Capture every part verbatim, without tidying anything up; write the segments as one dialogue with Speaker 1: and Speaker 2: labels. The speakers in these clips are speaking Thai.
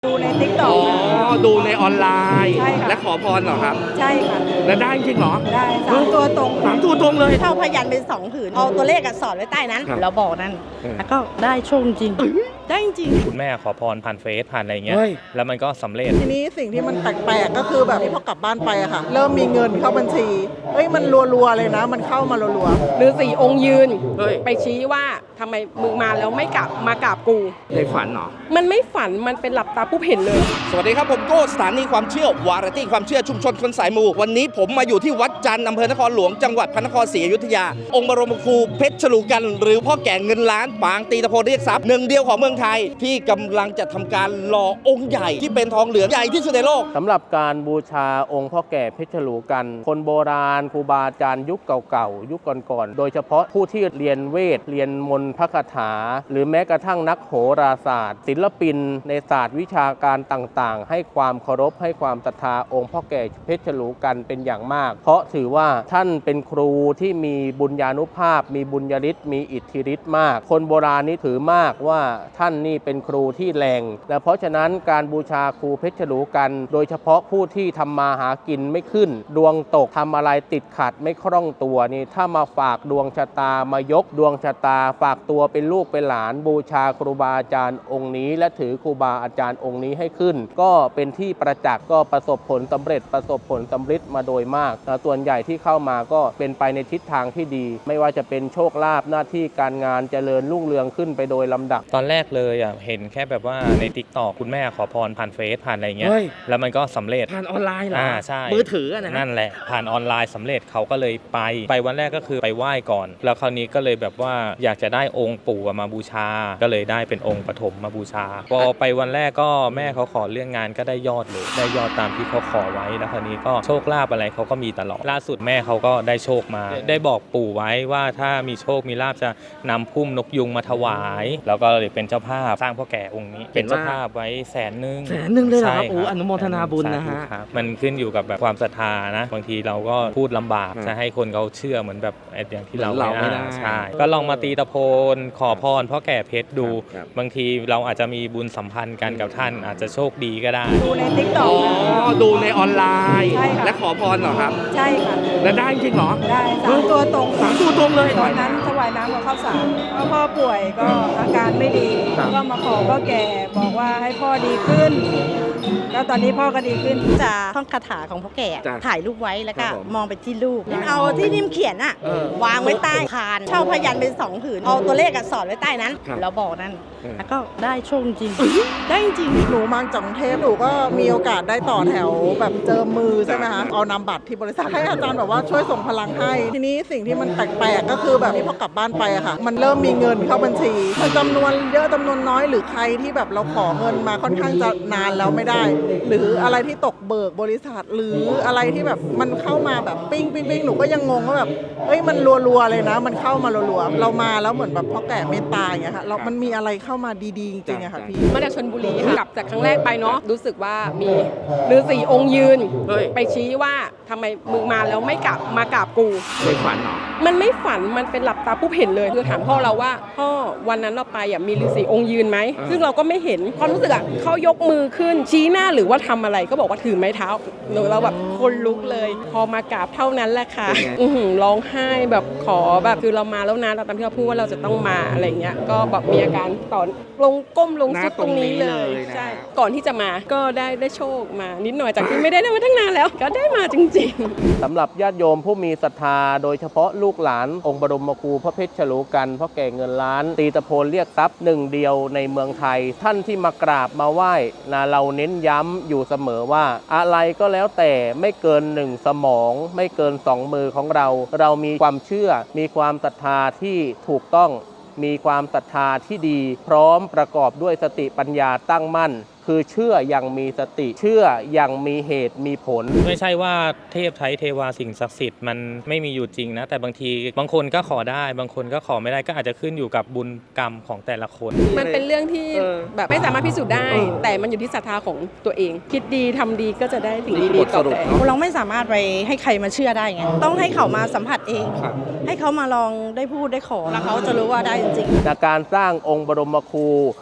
Speaker 1: ดูใน ติ๊กต็อก
Speaker 2: อ๋อ
Speaker 1: ค่ะ
Speaker 2: ดูในออนไลน์
Speaker 1: ใช่ค่ะ
Speaker 2: และขอพรเหรอครับ
Speaker 1: ใช่ค่ะ
Speaker 2: แล้วได้จริงเหรอ
Speaker 1: ได้สามตัวตรง
Speaker 2: สามตัวตรงเลย
Speaker 1: เท่าพยัญชนะเป็นสองผืนเอาตัวเลขอะสอดไว้ใต้นั้น
Speaker 2: ครับ
Speaker 1: แล้วบอกนั่น
Speaker 2: เออ
Speaker 1: แล้วก็ได้โชคจริงได้จริง
Speaker 3: คุณแม่ขอพรผ่านเฟซผ่านอะไรเงี้ย
Speaker 2: เฮ้ย
Speaker 3: แล้วมันก็สำเร็จ
Speaker 4: ทีนี้สิ่งที่มันแปลกๆก็คือแบบที่พอกลับบ้านไปอะค่ะ เริ่มมีเงินเข้าบัญชีเอ้ยมันรัวๆเลยนะ มันเข้ามารัวๆ
Speaker 5: ฤาษีองค์ยืน
Speaker 2: เฮ้ย
Speaker 5: ไปชี้ว่าทำไมมึงมาแล้วไม่กลับมากราบกู
Speaker 2: ในฝันเหรอ
Speaker 5: มันไม่ฝันมันเป็นหลับตาปุ๊บเห็นเลย
Speaker 2: สวัสดีครับผมโก้สถานีความเชื่อวาไรตี้ความเชื่อชุมชนคนสายมู วันนี้ผมมาอยู่ที่วัดจันทร์อำเภอนครหลวงจังหวัดพระนครศรีอยุธยา องค์บรมครูเพชรฉลูกัน หรือพ่อแก่เงินล้านปางตีตะโพนเรียกทรัพย์หนึ่งเดียวของเมืองไทย ที่กำลังจะทำการหล่อองค์ใหญ่ที่เป็นทองเหลืองใหญ่ที่สุดในโลก
Speaker 6: สำหรับการบูชาองค์พ่อแก่เพชรฉลูกัน คนโบราณครูบาอาจารย์ยุคเก่าๆ ยุคก่อนๆ โดยเฉพาะผู้ที่เรียนเวท เรียนมนต์พระคาถา หรือแม้กระทั่งนักโหราศาสตร์ ศิลปินในศาสตร์วิชาการต่างๆ ให้ความเคารพให้ความศรัทธาองค์พ่อแก่เพชรฉลูกันเป็นอย่างมาก เพราะถือว่าท่านเป็นครูที่มีบุญญานุภาพ มีบุญญาฤทธิ์มีอิทธิฤทธิ์มาก คนโบราณนี่ถือมากว่าท่านนี่เป็นครูที่แรงและเพราะฉะนั้นการบูชาครูเพชรฉลูกัน โดยเฉพาะผู้ที่ทำมาหากินไม่ขึ้น ดวงตกทำอะไรติดขัดไม่คล่องตัวนี่ถ้ามาฝากดวงชะตามายกดวงชะตาฝากตัวเป็นลูกเป็นหลานบูชาครูบาอาจารย์องค์นี้ และถือครูบาอาจารย์องค์นี้ให้ขึ้น ก็เป็นที่ประจักษ์ก็ประสบผลสำเร็จประสบผลสำฤทธิ์มาโดยมากแต่ส่วนใหญ่ที่เข้ามาก็เป็นไปในทิศทางที่ดี ไม่ว่าจะเป็นโชคลาภหน้าที่การงานเจริญรุ่งเรืองขึ้นไปโดยลำดับ
Speaker 3: ตอนแรกเลยอ่ะเห็นแค่แบบว่าใน ติ๊กต็อก คุณแม่ขอพรผ่านเฟซผ่านอะไรเงี้ย
Speaker 2: เฮ้ย
Speaker 3: แล้วมันก็สำเร็จ
Speaker 2: ผ่านออนไลน์เหรอ
Speaker 3: อ่าใช่
Speaker 2: มือถืออะนะ
Speaker 3: นั่นแหละผ่านออนไลน์สำเร็จเขาก็เลยไปไปวันแรกก็คือไปไหว้ก่อน แล้วคราวนี้ก็เลยแบบว่าอยากจะได้องค์ปู่มาบูชา ก็เลยได้เป็นองค์ปฐมมาบูชาพอไปวันแรกก็แม่เขาขอเรื่องงานก็ได้ยอดเลยได้ยอดตามที่เขาขอไว้แล้วคราวนี้ก็โชคลาภอะไรเขาก็มีตลอดล่าสุดแม่เขาก็ได้โชคมา ได้บอกปู่ไว้ว่าถ้ามีโชคมีลาภจะนำพุ่มนกยุงมาถวาย แล้วก็เลยเป็นเจ้าภาพสร้างพ่อแก่องค์นี้ เป็นเจ้าภาพไว้แสนหนึ่ง
Speaker 2: แสนหนึ่งเลยเหรอครับ
Speaker 3: ใช่
Speaker 2: โอ้อนุโมทนาบุญนะฮะ
Speaker 3: สาธุครับมันขึ้นอยู่กับแบบความศรัทธานะบางทีเราก็พูดลำบาก
Speaker 2: อืม
Speaker 3: จะให้คนเขาเชื่อเหมือนแบบไอ้อย่างที่เรา
Speaker 2: เหมือนเราไม่ได้
Speaker 3: ใช่ก็ลองมาตีตะโพนขอพรพ่อแก่เพชรดู
Speaker 2: ครับ
Speaker 3: บางทีเราอาจจะมีบุญสัมพันธ์กันกับท่านอาจจะโชคดีก็ได้
Speaker 1: ดูใน ติ๊กต็
Speaker 2: อ๋
Speaker 1: อ
Speaker 2: อ
Speaker 1: ก
Speaker 2: ดูในออนไลน์
Speaker 1: ใช่ค่ะ
Speaker 2: และขอพรเหรอครับ
Speaker 1: ใช่ค่ะ
Speaker 2: แล้วได้จริงเหรอ
Speaker 1: ได้สามตัวตรง
Speaker 2: สามตัวตรงเลย
Speaker 1: ตอนนั้นถวายน้ำกับข้าวสารเพราะพ่อป่วยก็อาการไม่ดี
Speaker 2: ครับ
Speaker 1: ก็มาขอพ่อแก่บอกว่าให้พ่อดีขึ้นแล้วตอนนี้พ่อก็ดีขึ้นจะท่องคาถาของพ่อแก่
Speaker 2: จ้ะ
Speaker 1: ถ่ายรูปไว้แล้วก็
Speaker 2: ครับผม
Speaker 1: มองไปที่รูปเอาที่นิ่มเขียนอะ
Speaker 2: เออ
Speaker 1: วางไว้ใต้พานเช่าพยัญชนะเป็นสองผืนเอาตัวเลขอะสอดไว้ใต้นั้น
Speaker 2: ครับ
Speaker 1: แล้วบอกนั่น
Speaker 2: เออ
Speaker 1: แล้วก็ได้โชคจริงได้จริง
Speaker 4: หนูมาจากกรุงเทพหนูก็มีโอกาสได้ต่อแถวแบบเจอมือใช่ไหมคะเอานำบัตรที่บริษัทให้อาจารย์แบบว่าช่วยส่งพลังให้ ทีนี้สิ่งที่มันแปลกๆก็คือแบบที่พอกลับบ้านไปอะค่ะ มันเริ่มมีเงินเข้าบัญชีมันจำนวนเยอะจำนวนน้อยหรือใครที่แบบเราขอเงินมาค่อนข้างจะนานแล้วไม่ได้ หรืออะไรที่ตกเบิกบริษัทหรืออะไรที่แบบมันเข้ามาแบบปิ้งปิ้งปิ้งหนูก็ยังงงว่าแบบเอ้ยมันรัวๆเลยนะ มันเข้ามารัวๆเรามาแล้วเหมือนแบบพ่อแก่เมตตาอย่างเงี้ยค่ะเรามันมีอะไรเข้ามาดีๆจริงๆอะค่ะพี่
Speaker 5: มาจากชลบุรีค่ะกลับจากครั้งแรกไปเนาะรู้สึกว่ามีฤาษีองค์ยืน
Speaker 2: เฮ้ย
Speaker 5: ไปชี้ว่าทำไมมึงมาแล้วไม่กลับมากราบกู
Speaker 2: ในฝันเหรอ
Speaker 5: มันไม่ฝันมันเป็นหลับตาปุ๊บเห็นเลยคือถามพ่อเราว่าพ่อวันนั้นเราไปอ่ะมีฤาษีองค์ยืนไหม
Speaker 2: อ่า
Speaker 5: ซึ่งเราก็ไม่เห็นความรู้สึกอ่ะเขายกมือขึ้นชี้หน้าหรือว่าทำอะไรก็บอกว่าถือไม้เท้าหนูเราแบบคนลุกเลย พอมากราบเท่านั้นแหละค่ะอื้อหือร้องไห้แบบขอแบบคือเรามาแล้วนะเราตามที่เราพูดว่าเราจะต้องมาอะไรเงี้ยก็แบบมีอาการต่อลงก้มลงซุดตรงนี้เลย
Speaker 2: หน้าตรงนี้เลยนะ
Speaker 5: ใช่ก่อนที่จะมาก็ได้ได้โชคมานิดหน่อยจากที่ไม่ได้ได้มาตั้งนานแล้ว ก็ได้มาจริงๆ
Speaker 6: สำหรับญาติโยมผู้มีศรัทธาโดยเฉพาะลูกหลานองค์บรมครูพระเพชรฉลูกันพ่อแก่เงินล้าน ตีตะโพนเรียกทรัพย์หนึ่งเดียวในเมืองไทย ท่านที่มากราบมาไหว้นะเราเน้นย้ำอยู่เสมอว่า อะไรก็แล้วแต่ไม่เกินหนึ่งสมอง ไม่เกินสองมือของเรา เรามีความเชื่อ มีความศรัทธาที่ถูกต้อง มีความศรัทธาที่ดี พร้อมประกอบด้วยสติปัญญาตั้งมั่น คือเชื่ออย่างมีสติ เชื่ออย่างมีเหตุมีผล
Speaker 3: ไม่ใช่ว่าเทพไทยเทวาสิ่งศักดิ์สิทธิ์มันไม่มีอยู่จริงนะแต่บางทีบางคนก็ขอได้บางคนก็ขอไม่ได้ก็อาจจะขึ้นอยู่กับบุญกรรมของแต่ละคน
Speaker 5: มันเป็นเรื่องที่
Speaker 2: เออ
Speaker 5: แบบไม่สามารถพิสูจน์ได้
Speaker 2: เออ
Speaker 5: แต่มันอยู่ที่ศรัทธาของตัวเอง คิดดีทำดีก็จะได้สิ่ง
Speaker 2: นี่
Speaker 5: ดี
Speaker 2: บท
Speaker 5: ๆต
Speaker 2: ส
Speaker 5: อบ
Speaker 2: รุป
Speaker 5: แทน
Speaker 2: เนาะ
Speaker 1: เราไม่สามารถไปให้ใครมาเชื่อได้ไงต้องให้เขามาสัมผัสเอง
Speaker 2: ครับ
Speaker 1: ให้เขามาลองได้พูดได้ขอแล้วเขาจะรู้ว่าได้จริงๆ
Speaker 6: จากการสร้างองค์บรมครู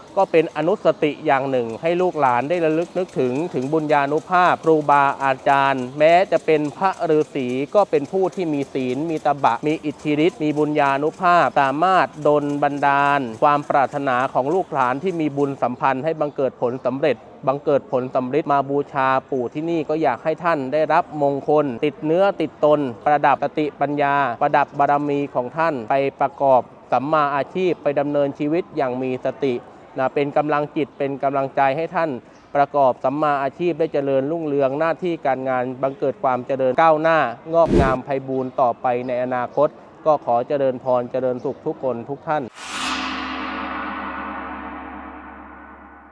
Speaker 6: ก็เป็นอนุสติอย่างหนึ่งให้ลูกหลานได้ระลึกนึกถึงถึงบุญญานุภาพครูบาอาจารย์ แม้จะเป็นพระฤาษีก็เป็นผู้ที่มีศีลมีตบะมีอิทธิฤทธิ์มีบุญญานุภาพสามารถดลบันดาล ความปรารถนาของลูกหลานที่มีบุญสัมพันธ์ให้บังเกิดผลสำเร็จบังเกิดผลสำเร็จมาบูชาปู่ที่นี่ก็อยากให้ท่านได้รับมงคลติดเนื้อติดตนประดับสติปัญญาประดับบารมีของท่านไปประกอบสัมมาอาชีพไปดำเนินชีวิตอย่างมีสตินะเป็นกำลังจิตเป็นกำลังใจให้ท่านประกอบสัมมาอาชีพได้เจริญรุ่งเรืองหน้าที่การงานบังเกิดความเจริญก้าวหน้างอกงามไพบูรย์ต่อไปในอนาคตก็ขอเจริญพรเจริญสุขทุกคนทุกท่าน